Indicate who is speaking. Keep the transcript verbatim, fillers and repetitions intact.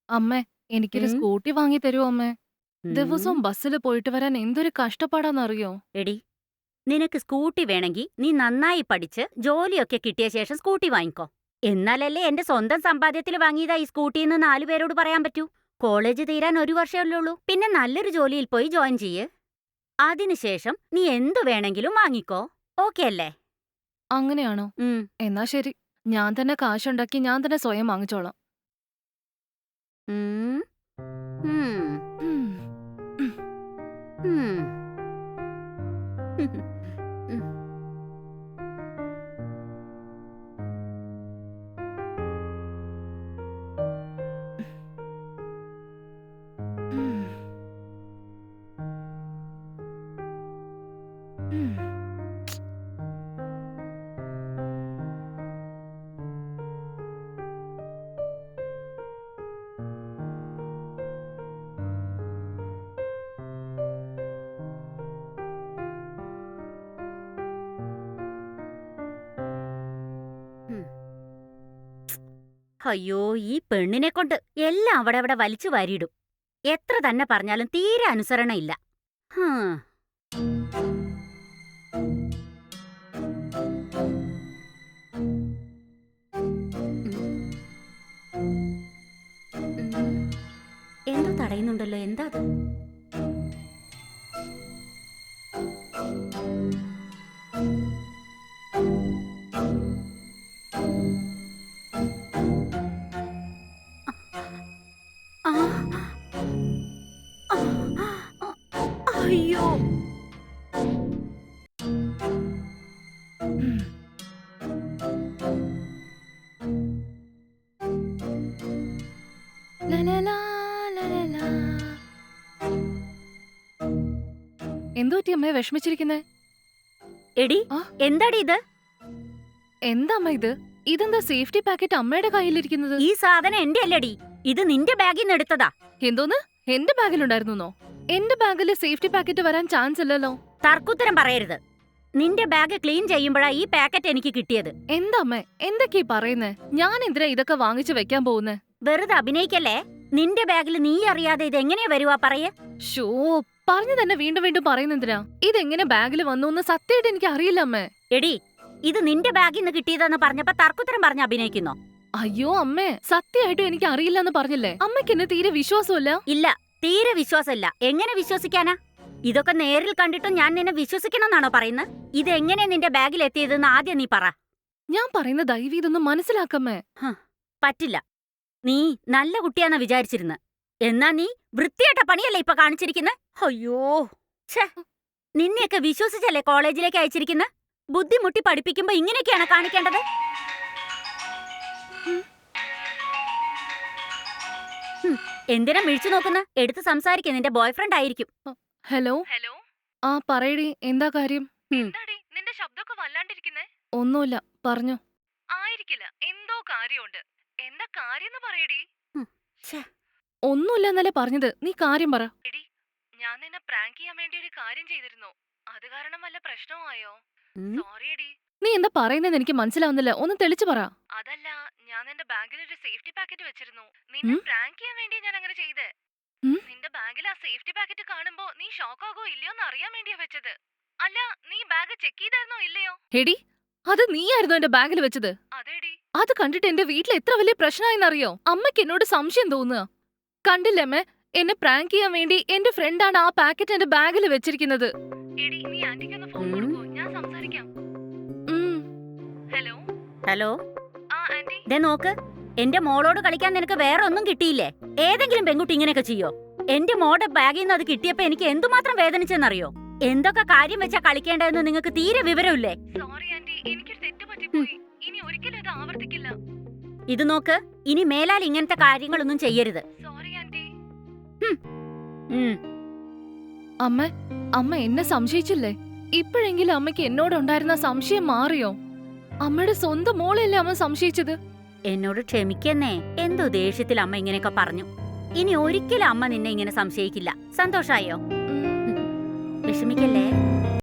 Speaker 1: അമ്മേ, എനിക്കൊരു
Speaker 2: ഉം,
Speaker 1: സ്കൂട്ടി വാങ്ങി തരുമോ അമ്മേ?
Speaker 2: ഉം.
Speaker 1: ദിവസവും ബസ്സില് പോയിട്ട് വരാൻ എന്തൊരു കഷ്ടപ്പാടാന്നറിയോ?
Speaker 2: എടി, നിനക്ക് സ്കൂട്ടി വേണമെങ്കിൽ നീ നന്നായി പഠിച്ച് ജോലിയൊക്കെ കിട്ടിയ ശേഷം സ്കൂട്ടി വാങ്ങിക്കോ. എന്നാലല്ലേ എന്റെ സ്വന്തം സമ്പാദ്യത്തിൽ വാങ്ങിയതാ ഈ സ്കൂട്ടിന്ന് നാലുപേരോട് പറയാൻ പറ്റൂ. കോളേജ് തീരാൻ ഒരു വർഷമല്ലേ ഉള്ളൂ. പിന്നെ നല്ലൊരു ജോലിയിൽ പോയി ജോയിൻ ചെയ്യ്. അതിനുശേഷം നീ എന്തു വേണമെങ്കിലും വാങ്ങിക്കോ. ഓക്കെ അല്ലേ?
Speaker 1: അങ്ങനെയാണോ?
Speaker 2: ഉം,
Speaker 1: എന്നാ ശരി. ഞാൻ തന്നെ കാശുണ്ടാക്കി ഞാൻ തന്നെ സ്വയം വാങ്ങിച്ചോളാം.
Speaker 2: ഉം, ഉം,
Speaker 1: ഉം. ഉം.
Speaker 2: ഉം. ഉം.
Speaker 1: ഉം. ഉം.
Speaker 2: ഉം. അയ്യോ, ഈ പെണ്ണിനെ കൊണ്ട് എല്ലാം അവിടെ അവിടെ വലിച്ചു വാരിയിടും. എത്ര തന്നെ പറഞ്ഞാലും തീരെ അനുസരണയില്ല. ഹാ. ഉം, ഉം. എന്തോ തടയുന്നുണ്ടല്ലോ, എന്താ അത്? ആ, ആ, ആ, അയ്യോ.
Speaker 1: ഉം. ലലലാ, ലലലാ. എന്തു പറ്റി അമ്മേ വിഷമിച്ചിരിക്കുന്നേ?
Speaker 2: എടി,
Speaker 1: ആ,
Speaker 2: എന്താടി ഇത്?
Speaker 1: എന്താ അമ്മ ഇത്? ഇതെന്താ സേഫ്റ്റി പാക്കറ്റ് അമ്മയുടെ കയ്യിലിരിക്കുന്നത്?
Speaker 2: ഈ സാധനം എന്റെ അല്ലടി, ഇത് നിന്റെ ബാഗിൽ നിന്ന് എടുത്തതാ.
Speaker 1: എന്തോന്ന്? എന്റെ ബാഗിലുണ്ടായിരുന്നോ? എന്റെ ബാഗില് സേഫ്റ്റി പാക്കറ്റ് വരാൻ ചാൻസ് ഇല്ലല്ലോ.
Speaker 2: തർക്കുത്തരം പറയരുത്. നിന്റെ ബാഗ് ക്ലീൻ ചെയ്യുമ്പോഴാ ഈ പാക്കറ്റ് എനിക്ക് കിട്ടിയത്.
Speaker 1: എന്താ അമ്മേ എന്തൊക്കെയാ പറയുന്നേ? ഞാൻ എന്തിനാ ഇതൊക്കെ വാങ്ങിച്ചു വെക്കാൻ പോകുന്നേ?
Speaker 2: വെറുതെ അഭിനയിക്കല്ലേ. നിന്റെ ബാഗിൽ നീ അറിയാതെ ഇത് എങ്ങനെയാ വരുവാ പറയേ?
Speaker 1: ഷോ, പറഞ്ഞു തന്നെ വീണ്ടും വീണ്ടും പറയുന്നെന്തിനാ? ഇതെങ്ങനെ ബാഗിൽ വന്നു എന്ന് സത്യമായിട്ട് എനിക്ക് അറിയില്ല അമ്മേ.
Speaker 2: എടി, ഇത് നിന്റെ ബാഗിൽ നിന്ന് കിട്ടിയതെന്ന് പറഞ്ഞപ്പോ തർക്കുത്തരം പറഞ്ഞ് അഭിനയിക്കുന്നോ?
Speaker 1: അയ്യോ അമ്മേ, സത്യമായിട്ടും എനിക്ക് അറിയില്ല എന്ന് പറഞ്ഞില്ലേ? അമ്മയ്ക്ക് എന്നെ തീരെ വിശ്വാസമില്ല.
Speaker 2: ഇല്ല, തീരെ വിശ്വാസമില്ല. എങ്ങനെ വിശ്വസിക്കാനാ? ഇതൊക്കെ നേരിൽ കണ്ടിട്ടും ഞാൻ നിന്നെ വിശ്വസിക്കണമെന്നാണോ പറയുന്നത്? ഇതെങ്ങനെ നിന്റെ ബാഗിൽ എത്തിയതെന്ന് ആദ്യം നീ പറ.
Speaker 1: ഞാൻ പറയുന്ന ദയവ് ഇതൊന്ന് മനസ്സിലാക്കമ്മേ.
Speaker 2: ഹ്, പറ്റില്ല. നീ നല്ല കുട്ടിയാന്നാ വിചാരിച്ചിരുന്നത്. എന്നാ നീ വൃത്തിയായിട്ട പണിയല്ലേ ഇപ്പൊ കാണിച്ചിരിക്കുന്നെ? അയ്യോ, ഛേ, നിന്നെയൊക്കെ വിശ്വസിച്ചല്ലേ കോളേജിലേക്ക് അയച്ചിരിക്കുന്നെ? ബുദ്ധിമുട്ടി പഠിപ്പിക്കുമ്പോ ഇങ്ങനെയൊക്കെയാണ് കാണിക്കേണ്ടത്?
Speaker 1: ഉം.
Speaker 2: ഹും, എന്തിനാ മിഴിച്ചു നോക്കുന്ന? എടുത്ത് സംസാരിക്ക, നിന്റെ ബോയ്ഫ്രണ്ട് ആയിരിക്കും.
Speaker 1: ഹലോ.
Speaker 3: ഹലോ.
Speaker 1: ആ പറയടി, എന്താ കാര്യം?
Speaker 2: ഹും,
Speaker 3: എന്താടി നിന്റെ ശബ്ദമൊക്കെ വല്ലാണ്ടിരിക്കുന്നേ?
Speaker 1: ഒന്നുമില്ല, പറഞ്ഞോ.
Speaker 3: ആയിരിക്കില്ല, എന്തോ കാര്യമുണ്ട്. എന്താ കാര്യന്ന് പറയടി.
Speaker 2: ഹും, ഛേ,
Speaker 1: ഒന്നുമില്ല എന്നല്ലേ പറഞ്ഞത്, നീ കാര്യം പറ.
Speaker 3: എടി, ഞാൻ നിന്നെ പ്രാങ്ക് ചെയ്യാൻ വേണ്ടി ഒരു കാര്യം ചെയ്തിരുന്നു. അത് കാരണം വല്ല പ്രശ്നമായോ?
Speaker 2: ഉം,
Speaker 3: സോറി എടി.
Speaker 1: നീ എന്താ പറയുന്നതെന്ന് എനിക്ക് മനസ്സിലാവുന്നില്ല, ഒന്ന് തെളിച്ചു പറ.
Speaker 3: അതല്ല, ഞാൻ നിന്റെ ബാഗിൽ ഒരു സേഫ്റ്റി പാക്കറ്റ് വെച്ചിരുന്നു. നിന്നെ
Speaker 1: ഉം?
Speaker 3: പ്രാങ്ക് ചെയ്യാൻ വേണ്ടി ഞാൻ അങ്ങനെ ചെയ്തേ.
Speaker 1: ഉം?
Speaker 3: നിന്റെ ബാഗിൽ ആ സേഫ്റ്റി പാക്കറ്റ് കാണുമ്പോ നീ ഷോക്ക് ആകോ ഇല്ലയോ എന്ന് അറിയാൻ വേണ്ടിയാ വെച്ചത്. അല്ല, നീ ബാഗ് ചെക്ക് ചെയ്തായിരുന്നോ ഇല്ലയോ?
Speaker 1: എടി, അത് നീയായിരുന്നു എന്റെ ബാഗിൽ വെച്ചത്.
Speaker 3: അതെടി.
Speaker 1: അത് കണ്ടിട്ട് എന്റെ വീട്ടിൽ എത്ര വലിയ പ്രശ്നമായെന്നറിയോ? അമ്മയ്ക്ക് എന്നോട് സംശയം തോന്നുക. കണ്ടില്ലമ്മേ, എന്നെ പ്രാങ്ക് ചെയ്യാൻ വേണ്ടി എന്റെ ഫ്രണ്ടാണ് ആ പാക്കറ്റ് എന്റെ ബാഗിൽ വെച്ചിരിക്കുന്നത്.
Speaker 3: എടി, നീ ആന്റിക്കൊന്ന് ഫോൺ
Speaker 2: ഉം.
Speaker 3: കൊടുക്കോ, ഞാൻ സംസാരിക്കാം.
Speaker 1: ഉം.
Speaker 3: ഹലോ.
Speaker 2: ഹലോ.
Speaker 3: ആ ആന്റി.
Speaker 2: ദേ നോക്ക്, എന്റെ മോളോട് കളിക്കാൻ നിനക്ക് വേറെ ഒന്നും കിട്ടിയില്ലേ? ഏതെങ്കിലും പെൺകുട്ടി ഇങ്ങനെയൊക്കെ ചെയ്യോ? എന്റെ മോടെ ബാഗിൽ നിന്ന് അത് കിട്ടിയപ്പോ എനിക്ക് എന്തുമാത്രം വേദനിച്ചെന്നറിയോ? എന്തൊക്കെ കാര്യം വെച്ചാ കളിക്കേണ്ടതെന്ന് നിങ്ങൾക്ക് തീരെ വിവരമില്ലേ?
Speaker 3: സോറി ആന്റി, എനിക്കൊരു തെറ്റ് പറ്റിപ്പോയി. ഇനി ഒരിക്കലും ഇത് ആവർത്തിക്കില്ല.
Speaker 2: ഇത് നോക്ക്, ഇനി മേലാൽ ഇങ്ങനത്തെ കാര്യങ്ങളൊന്നും ചെയ്യരുത്.
Speaker 3: Sorry aunty.
Speaker 2: ഹും. ഉം.
Speaker 1: അമ്മ അമ്മ എന്നെ സംശയിച്ചില്ലേ? ഇപ്പോഴെങ്കിലും അമ്മയ്ക്ക് എന്നോടുണ്ടായിരുന്ന സംശയം മാറിയോ? അമ്മയുടെ സ്വന്തം മോളെയല്ലേ അമ്മ സംശയിച്ചത്?
Speaker 2: എന്നോട് ക്ഷമിക്കെന്നേ. എന്തോ ദേഷ്യത്തിൽ അമ്മ ഇങ്ങനെയൊക്കെ പറഞ്ഞു. ഇനി ഒരിക്കലും അമ്മ നിന്നെ ഇങ്ങനെ സംശയിക്കില്ല. സന്തോഷായോ?
Speaker 1: ഉം.
Speaker 2: വിഷമിക്കല്ലേ.